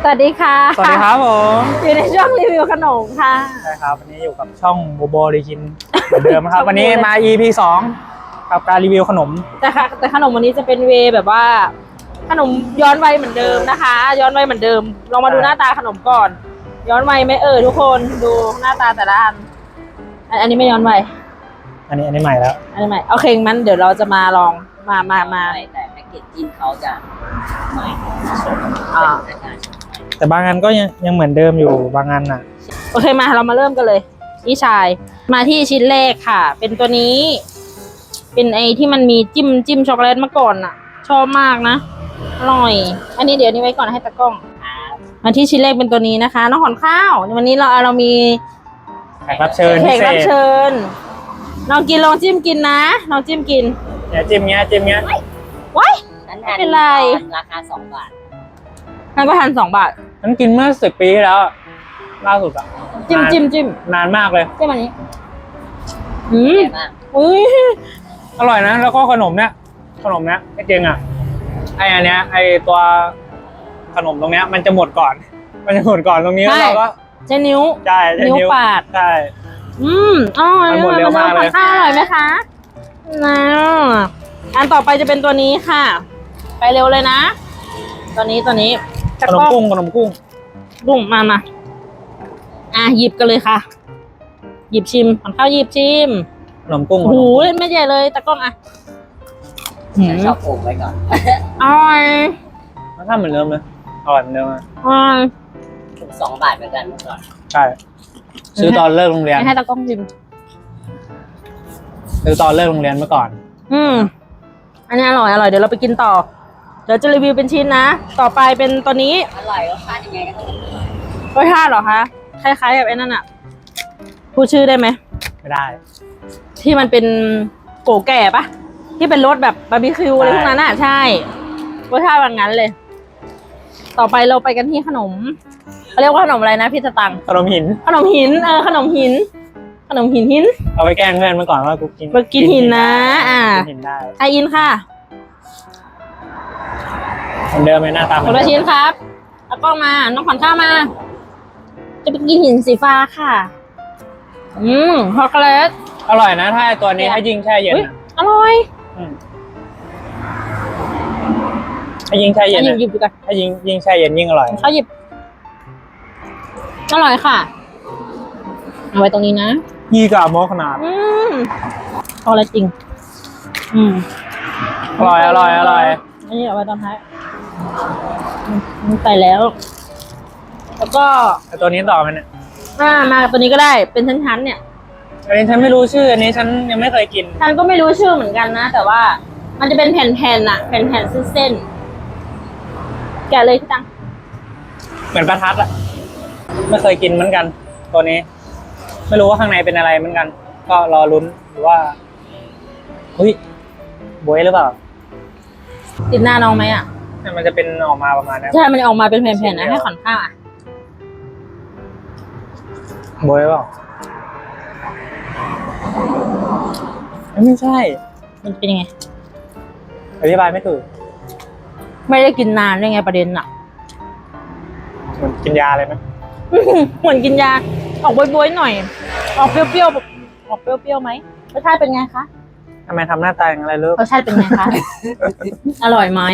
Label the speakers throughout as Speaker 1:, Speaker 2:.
Speaker 1: สวัสดีค่ะ
Speaker 2: สวัสดีครับผม
Speaker 1: อยู่ในช่วงรีวิวขนมค่ะ
Speaker 2: ใช่ครับวันนี้อยู่กับช่องโบโบรีกินเหมือนเดิมครับ วันนี้มา EP 2กับการรีวิวขนม
Speaker 1: แต่ขนมวันนี้จะเป็นเวแบบว่า ขนมย้อนวัยเหมือนเดิมนะคะ ย้อนวัยเหมือนเดิมลองมาดูหน้าตาขนมก่อน ย้อนวัยไหมทุกคนดูหน้าตาแต่ละอันนี้ไม่ย้อนวัย
Speaker 2: อันนี้ใหม่แล้ว
Speaker 1: อันนี้ใหม่โอเคงั้นเดี๋ยวเราจะมาลองมา
Speaker 3: แต่แพ็กเกจจิ้งเขาจะใหม่
Speaker 2: แต่บางอันก็ยังเหมือนเดิมอยู่บางอันน่ะ
Speaker 1: โอเคมาเรามาเริ่มกันเลยนี่ชายมาที่ชิ้นแรกค่ะ เป็นตัวนี้ เป็นไอที่มันมีจิ้มช็อกโกแลตมาก่อนอ่ะ ชอบมากนะอร่อย อันนี้เดี๋ยวนี้ไว้ก่อนให้ตะกล้องมาที่ชิ้นแรกเป็นตัวนี้นะคะน้องขอนข้าววันนี้เรามี
Speaker 2: แขกรับเชิญ
Speaker 1: น้องกินลองจิ้มกินนะน้องจิ้มกิน
Speaker 2: เนี่ยจิ้มเงี้ย
Speaker 1: ว้ายไม่เป็นไร
Speaker 3: ราคา2 บาท
Speaker 1: นั่นก็2 บาท
Speaker 2: ฉันกินเมื่อ10 ปีที่แล้วล่าสุดอ่ะ
Speaker 1: จิ้ม
Speaker 2: นานมากเลย
Speaker 1: จิ้มอันนี้
Speaker 3: อุ้ย
Speaker 2: อร่อยนะแล้วก็ขนมเนี้ยจริงอ่ะอันเนี้ยไอตัวขนมตรงเนี้ยมันจะหมดก่อนตรงนี้แล้วเราก็
Speaker 1: ใช้นิ้วปาด
Speaker 2: ใช่
Speaker 1: มัน
Speaker 2: หมดเร็วมากเลย
Speaker 1: ข้าวอร่อยไหมคะนะอันต่อไปจะเป็นตัวนี้ค่ะไปเร็วเลยนะตัวนี้
Speaker 2: ขนมกุ้ง
Speaker 1: มาหยิบกันเลยค่ะหยิบชิมขอนข้าวหยิบชิม
Speaker 2: ขนมกุ้ง
Speaker 1: โอ้โหไม่ใหญ่เลยตะกล้อง
Speaker 3: ชอบโอ่งไว้ก่อน
Speaker 1: อร่อย
Speaker 2: แล้วถ้าเหมือนเดิมเลยอร่อยเหมือนเดิมเลย
Speaker 3: ถูก2 บาทเหมือนกันเมื่อก่อน
Speaker 2: ใช่ซื้อตอนเลิกโรงเรียน
Speaker 1: ให้ตะกล้องชิม
Speaker 2: ซื้อตอนเลิกโรงเรียนเมื่อก่อน
Speaker 1: อันนี้อร่อยเดี๋ยวเราไปกินต่อเดี๋ยวจะรีวิวเป็นชิ้นนะต่อไปเป็นตัวนี้
Speaker 3: อร่อยรสชาติยังไงก็ต้อง
Speaker 1: รสชาติเหรอคะคล้ายๆกับไอ้นั่นอะพูดชื่อได้ไหม
Speaker 2: ไม่ได้
Speaker 1: ที่มันเป็นโกแก่ปะที่เป็นรสแบบบาร์บีคิวอะไรพวกนั้นอะใช่รสชาติแบบนั้นเลยต่อไปเราไปกันที่ขนมเขาเรียกว่าขนมอะไรนะพี่สตัง
Speaker 2: ขนมหิน
Speaker 1: ขนมหิน
Speaker 2: เอาไปแกล้งเพื่อนเมื่อก่อนว่ากู
Speaker 1: กินหินนะ
Speaker 2: กินหินได้
Speaker 1: ไออินค่ะ
Speaker 2: เหมือนเดิมเลยหน้าตา
Speaker 1: คนละชิ้นครับเอากล้องมาน้องขวัญข้าวมาจะไปกินหินสีฟ้าค่ะช็อกโกแลต
Speaker 2: อร่อยนะถ้าตัวนี้ให้ยิงแช่เย็น
Speaker 1: อร่อย
Speaker 2: ให้ยิงแช่เย็น
Speaker 1: หยิบดูกัน
Speaker 2: ให้ยิงแช่เย็นยิ่งอร่อย
Speaker 1: เขาหยิบอร่อยค่ะเอาไว้ตรงนี้นะ
Speaker 2: ยี่กับโมขนาด
Speaker 1: เอาอะไรจริง
Speaker 2: อร่อย
Speaker 1: อันนี้เอาไว้ตอนท้ายใส่แล้วก็
Speaker 2: ตัวนี้ต่อมันเนี่ย
Speaker 1: มาตัวนี้ก็ได้เป็นชั้นๆเนี่ย
Speaker 2: อันนี้ฉันไม่รู้ชื่ออันนี้ฉันยังไม่เคยกิน
Speaker 1: ฉันก็ไม่รู้ชื่อเหมือนกันนะแต่ว่ามันจะเป็นแผ่นๆอะแผ่นๆเส้นแกะเลยพี่ตัง
Speaker 2: เหมือนประทัดอะไม่เคยกินเหมือนกันตัวนี้ไม่รู้ว่าข้างในเป็นอะไรเหมือนกันก็รอลุ้นหรือว่าบวยหรือเปล่า
Speaker 1: ติดหน้าน้องไหมอะ
Speaker 2: มันจะเป็นออกมาประมาณนี้
Speaker 1: ใช่มันออกมาเป็นแผ่นๆนะให้ขอนข้าวอะ
Speaker 2: บวยเปล่าไม่ใช่
Speaker 1: มันเป็นยังไง
Speaker 2: อธิบายไม่ถูก
Speaker 1: ไม่ได้กินนานได้ไงประเด็นอะ
Speaker 2: เหมือนกินยาเลยไหม
Speaker 1: เหมือนกินยาออกบวยๆหน่อยออกเปรี้ยวไหมรสชาติเป็นไงคะ
Speaker 2: ทำไมทำหน้าตาอย่างไรลูก
Speaker 1: รสชาติเป็นไงคะอร่อยไหม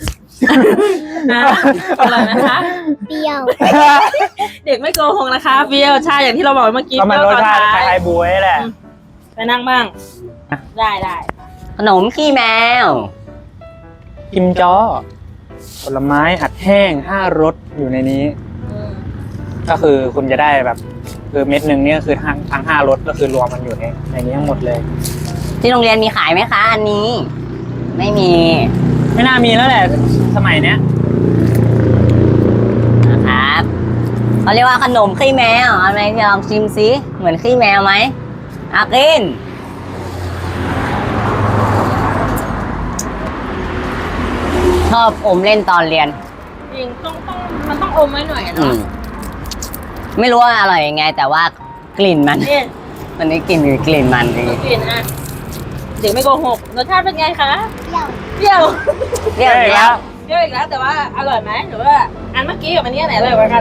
Speaker 1: อร่อยไหมคะ
Speaker 4: เปรี้ยว
Speaker 1: เด็กไม่โกหกนะคะเปรี้ยวใช่อย่างที่เราบอกเมื่อกี้
Speaker 2: ก็มันรสชาติคล้ายๆบวยแหละ
Speaker 1: ไปนั่งบ้างได้
Speaker 3: ขนมขี้แมว
Speaker 2: กิมจ้อผลไม้อัดแห้ง5 รสอยู่ในนี้ก็คือคุณจะได้แบบคือเม็ดหนึ่งนี่ก็คือทั้ง5 รสก็คือรวมมันอยู่ในนี้ทั้งหมดเลย
Speaker 3: ที่โรงเรียนมีขายไหมคะอันนี้ไม่มี
Speaker 2: ไม่น่ามีแล้วแหละสมัยเนี้ย
Speaker 3: นะครับเขาเรียกว่าขนมขี้แมวอะไรที่ลองชิมซิเหมือนขี้แมวไหมกินชอบอมเล่นตอนเรียน
Speaker 1: จริงมันต้องอมไว้หน่อยเนาะ
Speaker 3: ไม่รู้ว่าอร่อยยังไงแต่ว่ากลิ่นมันได้กลิ่นมันดี
Speaker 1: กลิ่นเด็กไม่โกหกรสชาติเป็นไงคะเปรี้ยว
Speaker 2: แล้ว
Speaker 1: เปรี้ยวอีกแล้วแต่ว่าอร่อยไหมหรือว่าอันเมื่อกี้กับอันนี้อันไหนอร่อยกว่ากัน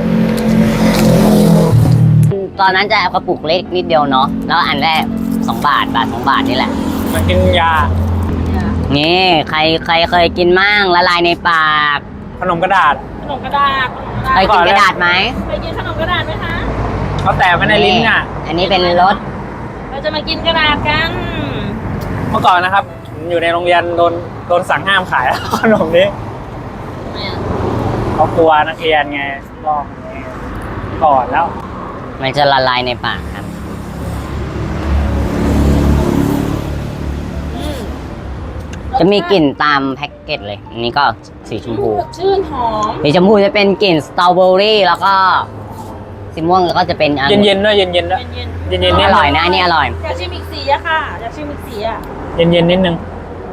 Speaker 3: ตอนนั้นจะเอากระปุกเล็กนิดเดียวเนาะแล้วอันแรก2 บาท2 บาทนี่แหละ
Speaker 2: มันกินยา
Speaker 3: นี่ใครเคยกินมั่งละลายในปาก
Speaker 2: ขนมกระดาษ
Speaker 1: ขนมกระดาษ
Speaker 3: เคยกินกระดาษไหม
Speaker 1: เคยกินขนมกระดาษไหมคะ
Speaker 2: เขาแตะไว้ในลิ้นอ่ะ
Speaker 3: อันนี้เป็นรส
Speaker 1: เราจะมากินกระดาษกัน
Speaker 2: เมื่อก่อนนะครับผมอยู่ในโรงเรียนโดนสั่งห้ามขาย ขนมนี้เขากลัวนักเรียนไงลอกไงก่อนแล้ว
Speaker 3: มันจะละลายในปากครับ จะมีกลิ่นตามแพ็กเกจเลย อันนี้ก็สีชมพู
Speaker 1: ชื่นหอม
Speaker 3: สีชมพูจะเป็นกลิ่นสตรอเบอรี่แล้วก็สีม่วงแล้วก็จะเป็นอัน
Speaker 2: เย็นๆด้วยเย็นๆด้วย
Speaker 1: เย็น
Speaker 2: เย็นๆนิ
Speaker 3: อ
Speaker 2: ด
Speaker 3: ร่อยนะอันนี่อร่อย
Speaker 1: อยากชิมอีกสีอะค่ะอยากชิมอีกสีอะ
Speaker 2: เย็นๆนิดนึง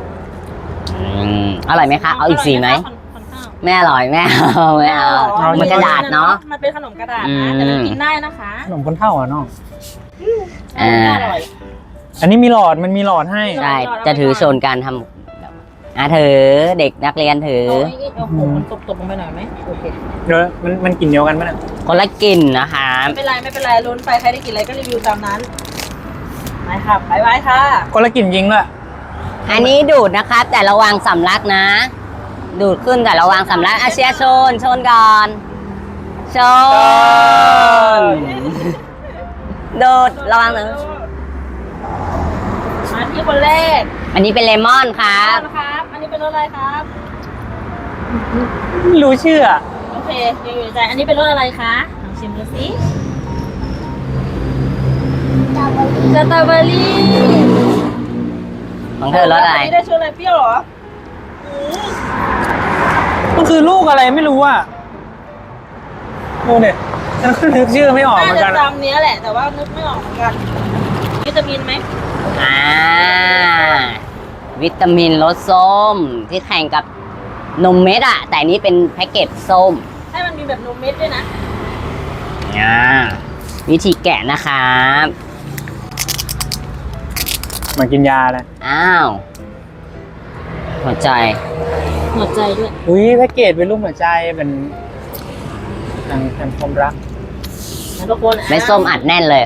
Speaker 3: อร่อยไหมคะ เอาอีกสีไหม
Speaker 1: คนข้าว
Speaker 3: ไม่อร่อยไม่เอาไม่เอา มันกระดาษเนาะ
Speaker 1: มันเป็นขนมกระดาษนะแต่มันกินได้นะคะ
Speaker 2: ขนมคนเท่าอ่ะน้อง
Speaker 3: อ่า
Speaker 1: อร่อย
Speaker 2: อันนี้มีหลอดมันมีหลอดให้
Speaker 3: ใช่จะถือโซนการทำแบบถือเด็กนักเรียนถือ
Speaker 1: โอ้โหมันตบลงไปหน่อยไหมโอเค
Speaker 2: เดี๋ยวมันกลิ่นเดียวกันไหมเนี่ย
Speaker 3: คนละกลิ่นนะคะ
Speaker 1: ไม่เป็นไรไม่เป็นไรลุ้นไปใครได้กินอะไรก็รีวิวตามนั้นไปค่ะบายบายค่ะ
Speaker 2: คนละกลิ่นยิงด้วย
Speaker 3: อันนี้ดูดนะครับ แต่ระวังสำลักนะ ดูดขึ้นแต่ระวังสำลักอาเชียชนก่อนชนดูดระวังหนึ่ง
Speaker 1: มาที่คนแรก
Speaker 3: อันนี้เป็นเลมอนครับ
Speaker 1: นะครับ อันนี้เป็นรสอะไรครับ
Speaker 2: ไม่รู้ชื่ออะ
Speaker 1: โอเคยังอยู่ในใจอันนี้เป็นรสอะไรคะลองชิมดูสิสตรอเบอรี่
Speaker 3: ของเธอรสอะไร
Speaker 1: นนี้ได้ชื่ออะไรเปรี้ยวเหรอ
Speaker 2: มันคือลูกอะไรไม่รู้อ่ะดูเนี่ยฉันก็นึกชื่อไม่ออกเหมือน
Speaker 1: น่า
Speaker 2: กั
Speaker 1: จะ
Speaker 2: น
Speaker 1: จำเนี้ยแหละแต่ว่านึกไม่ออกเหมือนกันวิตามินไหม
Speaker 3: วิตามินรสส้มที่แข่งกับนมเม็ดอะแต่อันนี้เป็นแพ็กเกจส้ม
Speaker 1: ให้มันมีแบบนมเม็ดด้วยนะ
Speaker 3: วิธีแกะนะครับ
Speaker 2: เหมือนกินยาเลย
Speaker 3: อ้าว หัวใจ
Speaker 1: หัวใจด้วย
Speaker 2: อุ้ยแพ็กเกจเป็นรูปหัวใจเป็นทางความรัก
Speaker 1: นะทุกคน
Speaker 3: ไม่ส้มอัดแน่นเลย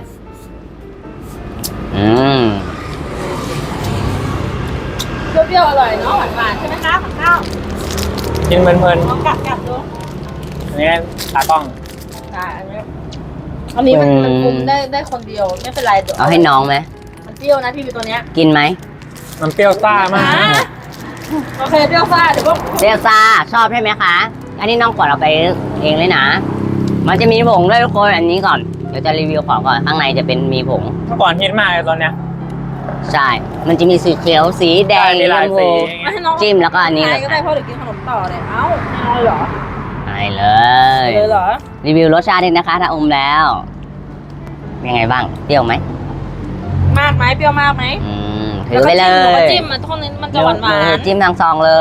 Speaker 1: เปรี้ยวๆอร่อยเนาะหวานๆใช่ไหมคะผักข้าว
Speaker 2: กินเพลิน
Speaker 1: ลองกัดดู
Speaker 2: ๆอันนี้ตากล้อง
Speaker 1: ได้อันนี้มันคุมได้คนเดียวไม่เป็นไรดี๋ยว
Speaker 3: เอาให้น้องไหม
Speaker 1: มันเปรี้ยวนะพี่มีตัวเนี้ย
Speaker 3: กินไหม
Speaker 2: มันเปรี้ยวซ่ามาก
Speaker 1: โอเคเปรี้ยวซ่าเดี๋ยวพวก
Speaker 3: เรียซ่าชอบใช่ไหมคะ อันนี้น้องกดเอาไปเองเลยนะ มันจะมีผงด้วยทุกคนอันนี้ก่อน เดี๋ยวจะรีวิวของก่อน ข้างในจะเป็นมีผง
Speaker 2: เมื่อก่อนฮิตมากเลยตอนเนี้ย
Speaker 3: ใช่ มันจะมีสีเขียวสีแดง
Speaker 2: ใช่มีหลาย
Speaker 3: ชม
Speaker 2: สี
Speaker 3: พู
Speaker 1: ไม่ให้น้อง
Speaker 3: จิ้มแล้วก็อันนี้
Speaker 1: ใค
Speaker 3: เล
Speaker 1: ร
Speaker 3: ย
Speaker 1: ก็ได้เพราะเดี๋ยวกินขนมต่อเลยเอ้าไม่เอาเลยเหรอ
Speaker 3: ไปเลย
Speaker 1: เลยเหรอ
Speaker 3: รีวิวรสชาตินิดนะคะ ถ้าอมแล้ว ยังไงบ้าง เปรี้ยวไหม
Speaker 1: มากไหมเปรี้ยวมากไหม
Speaker 3: ถือไปเล
Speaker 1: แล้วก็
Speaker 3: ย
Speaker 1: จิ้มมันทุกคนมันจะหวาน
Speaker 3: จิ้มทางซองเลย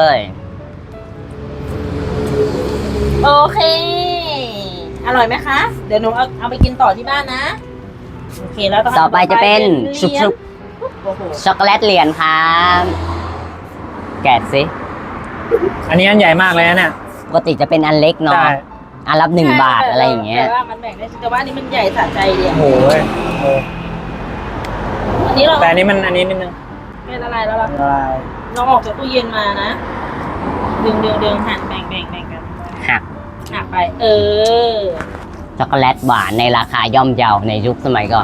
Speaker 1: โอเค อร่อยไหมคะ เดี๋ยวหนูเอาไปกินต่อที่บ้านนะ โอเคแล้ว
Speaker 3: ต่อไปจะเป็นชุบ
Speaker 1: โอ้โห
Speaker 3: ช็อกโกแลตเหรียญครับแกะสิ
Speaker 2: อันนี้อันใหญ่มากเลยนะเนี่ย
Speaker 3: ปกติจะเป็นอันเล็กเนาะ
Speaker 2: ใช่
Speaker 3: อันรับ1 บาทอะไรอย่างเงี้ย
Speaker 1: แต่ว่ามันแบ่งได้แต่ว่าอันนี้มันใหญ่สะใจดี
Speaker 2: โอ้
Speaker 1: อะ
Speaker 2: โห
Speaker 1: อันนี้เรา
Speaker 2: แต่อันนี้มันอันนี้นิดนึง
Speaker 1: เป็นอะไรแล้วล่ะ
Speaker 2: ละลาย
Speaker 1: เราออกจากตู้เย็นมานะดึงหั่นแบ่งกัน
Speaker 3: หัก
Speaker 1: หักไป
Speaker 3: ช็อกโกแลตหวานในราคาย่อมเยาในยุคสมัยก่อน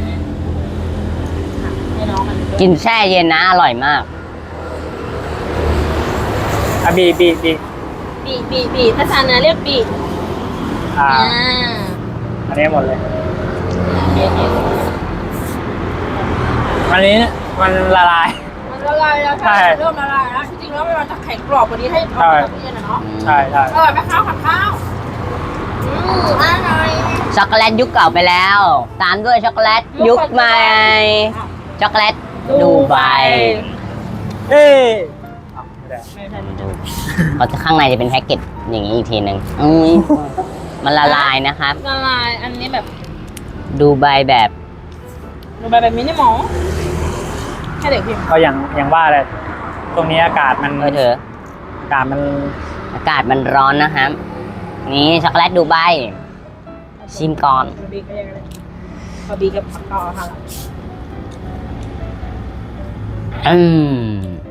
Speaker 1: ให้น้องมัน
Speaker 3: กินแช่เย็นนะ อร่อยมาก
Speaker 2: อ่ะบี
Speaker 1: บีถ้าทานเนื้อเรียกบี
Speaker 2: อ่า
Speaker 1: อ่า
Speaker 2: อันนี้หมดเลย
Speaker 1: โอเค
Speaker 2: อันนี้มันละลาย
Speaker 1: มันละลายแล้ว
Speaker 2: ใช่
Speaker 1: เริ่มละลายแล้วจริงๆแล้วมันจะแข็งกรอบกว่านี้ให้เอามาจากตู้เย็นอะเนาะ
Speaker 2: ใช่ใช่
Speaker 1: อร่อยไหมข้าวผัดข้าวอร่อย
Speaker 3: ช็อกโกแลตยุคเก่าไปแล้ว ตามด้วยช็อกโกแลตยุคใหม่ ช็อกโกแลตดูไบ
Speaker 2: เอ้ย
Speaker 1: ไม่ทัน
Speaker 3: เขาจะข้างในจะเป็นแพ็กเกจอย่างนี้อีกทีหนึ่งมันละลายนะครับ
Speaker 1: ละลายอันนี้แบบ
Speaker 3: ดูไบแบบ
Speaker 1: ดูแบบมินิมอลให้เด็กพิมพ์
Speaker 2: ก็อย่างว่าเลยตรงนี้อากาศมัน
Speaker 3: เธอ
Speaker 2: ากาศมัน
Speaker 3: อากาศมันร้อนนะครับ นี่ช็อกโกแลตดูไบชิมก่อน
Speaker 1: บีก็ยังไงพอบีกับผักกอค่ะ
Speaker 3: อืม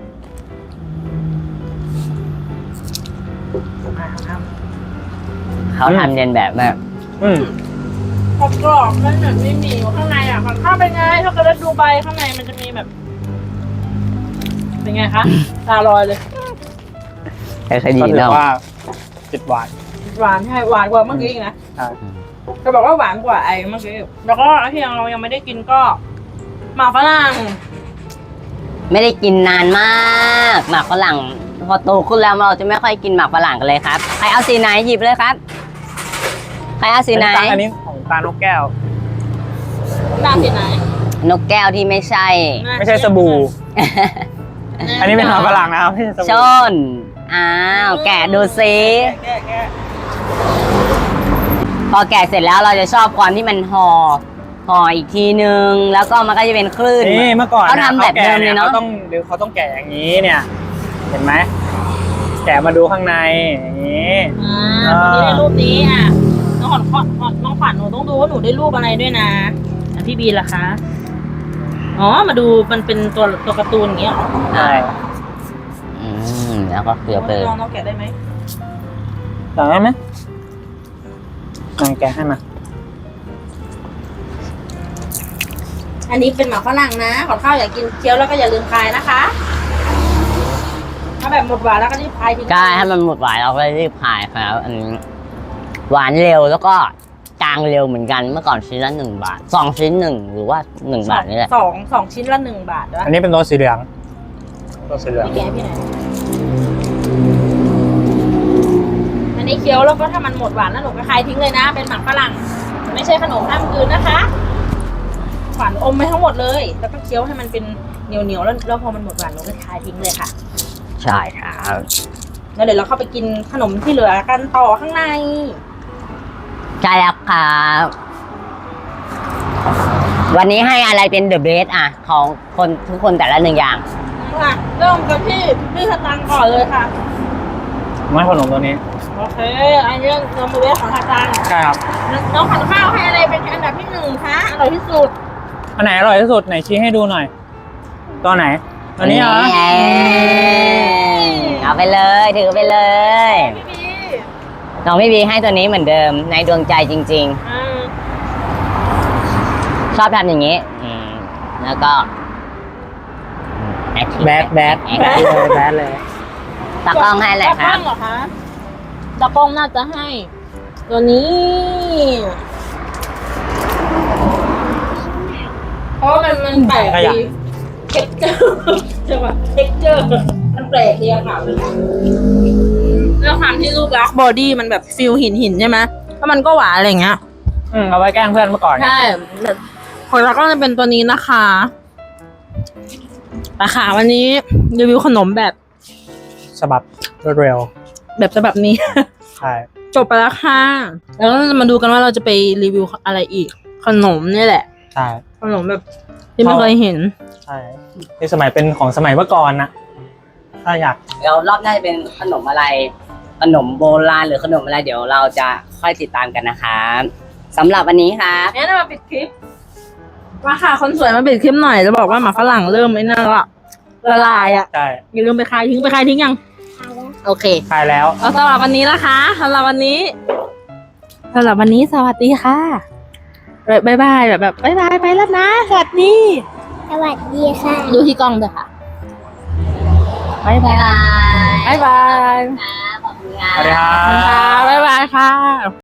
Speaker 3: เขาทำเรียนแบบมาก
Speaker 1: กรอบๆนั่นแบบไม่มีข้างในอ่ะข้าวเป็นไงช็อกโกแลตดูไบข้างในมันจะมีแบบ เป็นไงคะตาลอยเลย
Speaker 3: ใช่ดี
Speaker 2: ก็ถือ
Speaker 3: เนาะ
Speaker 2: ว่าติดหวาน
Speaker 1: หวานใช่หวานกว่าเมื่อกี้อีกนะ
Speaker 2: ใช่
Speaker 1: จะบอกว่าหวานกว่าไอ้เมื่อกี้แล้วก็ที่เรายังไม่ได้กินก็หมากฝรั่ง
Speaker 3: ไม่ได้กินนานมากหมากฝรั่งพอโตขึ้นแล้วเราจะไม่ค่อยกินหมากฝรั่งกันเลยครับใครเอาสีไหนหยิบเลยครับใครเอาสีไหน
Speaker 2: อันนี้ของตาลนกแก้ว
Speaker 1: ตามสีไหน
Speaker 3: นกแก้วที่ไม่ใช่
Speaker 2: ไม่ใช่สบู่ อันนี้เป็นหมาฝรั่งนะครับไม่ใช่ส
Speaker 3: ช
Speaker 2: บู่
Speaker 3: นอ้าวแกะดูซิ
Speaker 1: แกะ
Speaker 3: พอแกะเสร็จแล้วเราจะชอบความที่มันห่ออีกทีนึงแล้วก็มันก็จะเป็นคลื่น
Speaker 2: นี่เมื่อก่อน
Speaker 3: เขาทำแบบเดิมเลยเนาะ
Speaker 2: เขาต้องแกะอย่างนี้เนี่ย เห็นไหมแกะมาดูข้างในอย่างนี้
Speaker 1: นี่ได้รูปนี้อ่ะน้องขวัญน้องขวัญหนูต้องดูว่าหนูได้รูปอะไรด้วยนะพี่บีล่ะคะอ๋อมาดูมันเป็นตัวการ์ตูนอย่างเงี้ยเหรอ
Speaker 2: ใช่
Speaker 3: แล้วก็เกลือไป
Speaker 1: น้องแกะได้ไหม
Speaker 2: ต่อได้ไหมลองแกะให้มา
Speaker 1: อันนี้เป็นหมากฝรั่งนะขอข้าวอยากกินเคี้ยวแล้วก็อย่าลืมคายนะคะถ้าแบบหมดหวานแล้วก็รีบคายทิ้ง
Speaker 3: ใช่ถ้ามันหมดหวานเราก็รีบขายครับอันนี้หวานเร็วแล้วก็จางเร็วเหมือนกันเมื่อก่อนชิ้นละ1 บาท2 ชิ้น1หรือว่า1 บาทนี่แหละ
Speaker 1: สองชิ้นละ1 บาทด้วย
Speaker 2: อันนี้เป็นตัวสีเหลืองตัวสีเหลือง
Speaker 1: พี่แกะพี่ไหนอันนี้เคี้ยวแล้วก็ถ้ามันหมดหวานแล้วหนูก็คายทิ้งเลยนะ เป็นหมากฝรั่งไม่ใช่ขนมข้ามคืนนะคะหวานอมไปทั้งหมดเลย แล้วก็เคี้ยวให้มันเป็นเหนียวแล้วพอมันหมดหวานหนูก็คายทิ้งเลยค่ะ
Speaker 3: ใช่ครับ
Speaker 1: แล้วเดี๋ยวเราเข้าไปกินขนมที่เหลือกันต่อข้างใน
Speaker 3: ใช่แล้วครับวันนี้ให้อะไรเป็นเดอะเบสอ่ะของคนทุกคนแต่ละ1 อย่าง
Speaker 1: ค่ะเริ่มกันที่พี่สตังค์ก่อนเลยค่ะ
Speaker 2: ไม่ขนมตัวนี้
Speaker 1: โอเค อันนี้เรามาเวฟของสตังค์
Speaker 2: ใช่ครับ
Speaker 1: น้องขันข้าวให้อะไรเป็นอันดับที่1คะอร่อยที่สุด
Speaker 2: อันไหนอร่อยที่สุดไหนชี้ให้ดูหน่อย ตัวไหนตัวนี้เหรอ
Speaker 3: เอาไปเลยถือไปเลย
Speaker 1: พี่บี
Speaker 3: น้องพี่บีให้ตัวนี้เหมือนเดิมในดวงใจจริง ๆ ชอบทำอย่างนี้แล้วก็
Speaker 2: แบดเลยแบดเลย
Speaker 3: ตากล้องให้เลยค
Speaker 1: ตา
Speaker 3: รับ
Speaker 1: กล้องเหรอคะตากล้องน่าจะให้ ตัวนี้ เพราะมันแปลกดีเท็กเจอร์ใช่ป่ะเท็กเจอร์มันแปลกดีอะค่ะแล้วความที่รูปลักษณ์บอดี้มันแบบฟิลหินใช่ไหมแล้วมันก็หวานอะไรอย่างเงี้ย
Speaker 2: เอาไว้แกล้งเพื่อนเมื่อก่อน
Speaker 1: ใช่ของเราก็จะเป็นตัวนี้นะคะราคาวันนี้รีวิวขนมแบบ
Speaker 2: ฉบับรวดเร็ว
Speaker 1: แบบฉบับนี้
Speaker 2: ใช่
Speaker 1: จบไปแล้วค่ะ แล้วก็จะมาดูกันว่าเราจะไปรีวิวอะไรอีก ขนมนี่แหละ
Speaker 2: ใช่
Speaker 1: ขนมแบบที่ไม่เคยเห็น
Speaker 2: ใช่ที่สมัยเป็นของสมัยเมื่อก่อนนะถ้าอยาก
Speaker 3: เดี๋ยวรอบหน้าจะเป็นขนมอะไร ขนมโบราณหรือขนมอะไรเดี๋ยวเราจะค่อยติดตามกันนะครับสำหรับวันนี้ครับ
Speaker 1: งั้นมาปิดคลิปว่าค่ะคนสวยมาปิดคลิปหน่อยจะบอกว่าหมาฝรั่งเริ่มไม่น่าละลายอ่ะ
Speaker 2: ใช่
Speaker 1: อย่าลืมไปคายทิ้งยังโอเค
Speaker 2: คลายแล้ว
Speaker 1: เอาสำหรับวันนี้นะคะสำหรับวันนี้สวัสดีค่ะบ๊ายบายแบบบ๊ายบายไปแล้วนะสวัสดี
Speaker 4: สวัสดีค่ะ
Speaker 1: ดูที่กล้องด้วยค่ะบ๊ายบายบ๊ายบาย
Speaker 3: ขอบคุณครับ
Speaker 2: สวัสดีครับ
Speaker 1: บ๊ายบายค่ะ